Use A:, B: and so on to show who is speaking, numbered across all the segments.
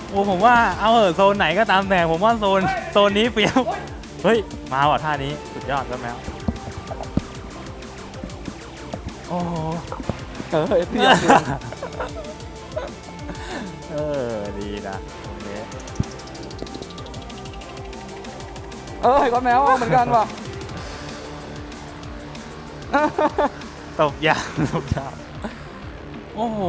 A: โอ้ผมว่าเอาเหอะโซนไหนก็ตามแต่ผมว่าโซนนี้เปรียบเฮ้ยมาว่ะท่านี้สุดยอดแล้วแมวโอ้โห
B: พี่อยากดู
A: ดีนะตรงนี้
B: ก็แมวเหมือนกันว่ะ
A: ตบยางตบยางโอ้โห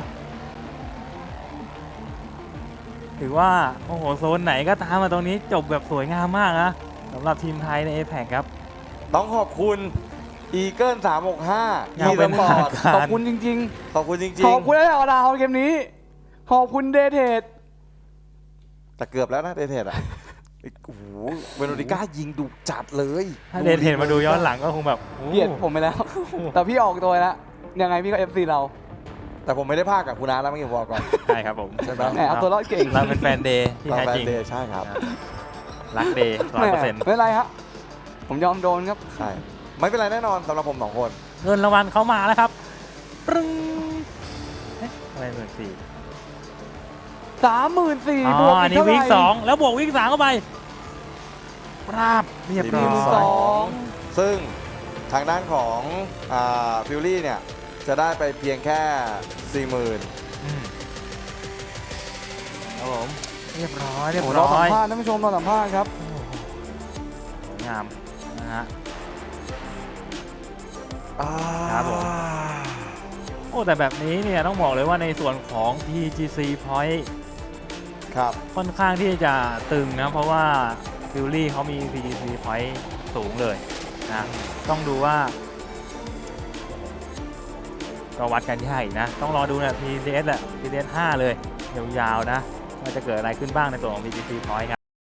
A: ถือว่าโอ้โหโซนไหนก็ตามมาตรงนี้จบแบบสวยงามมากนะสำหรับทีมไทยใน APEC ครับ
C: ต้องขอบคุณอีเกิล365
A: ยัง
C: ที่
A: เป็
C: ส
A: น
C: ปอร์ต
B: ขอบคุณจริง
C: ขอบคุณจริ
B: ๆ
C: ง
B: ขอบคุณได้เอาดาวเกมนี้ ขอบคุณเดเทด
C: ๆ แต่เกือบแล้วนะเดเทดอ่ะโอ้โหเวโรนิก้ายิงดุจัดเลย
A: ถ้าเดนเห็นมาดูย้อนหลังก็คงแบบโอ้
B: เกลียดผมไปแล้ว แต่พี่ออกตัวแล้ว ยังไงพี่ก็ FC เรา
C: แต่ผมไม่ได้พากกับคุณอาร์ตแล้วเมื่อกี้ผมบอกก่อน
A: ใช่ครับผม
C: ใช่ไหม
B: แหมเอาตัวรอดเก่ง
A: เราเป็นแฟนเดย์ที่
C: เรา
A: แท้
C: แฟ
A: จ
C: น
A: ริง
C: เดย์ใช่ครับ
A: รักเดย์
B: แหม
A: 100%
B: ไม่เป็นไรครับ ผมยอมโดนครับ
C: ใช่ ไม่เป็นไรแน่นอนสำหรับผม2 คน
A: เงินรางวัลเขามาแล้วครับปรึ้งเอ๊ะอะไรหมื่นสี่
B: 34,000 บ
A: อ๋
B: ว
A: อก อัน
B: อีก
A: นี้
B: เท่าไห
A: วิก
B: ร่
A: 2แล้วบวกวิก3เข้าไปปราบเรียบร้อย
B: 42,000
C: ซึ่งทางด้านของฟิลลี่เนี่ย จะได้ไปเพียงแค่ 40,000
A: อืมครับผมเรียบร้อยเรียบ
B: โอ้
A: ร้
B: เราสั
A: อ
B: ม
A: ย
B: ภาษณ์ท่านผู้ชมเราสัมภาษณ์ครับ
A: สวยงามนะฮะ
C: ครับผม
A: โอ้แต่แบบนี้เนี่ยต้องบอกเลยว่าในส่วนของ PGC Point
C: ครับ
A: ค่อนข้างที่จะตึงนะ เพราะว่าฟิลลี่เขามี PGC Point สูงเลยนะต้องดูว่าก็วัดกันยากอีกนะ ต้องรอดูนะ PCS แหละ PCS 5 เลย ยาวๆนะว่าจะเกิดอะไรขึ้นบ้างในตัวของ PGC Point ครับ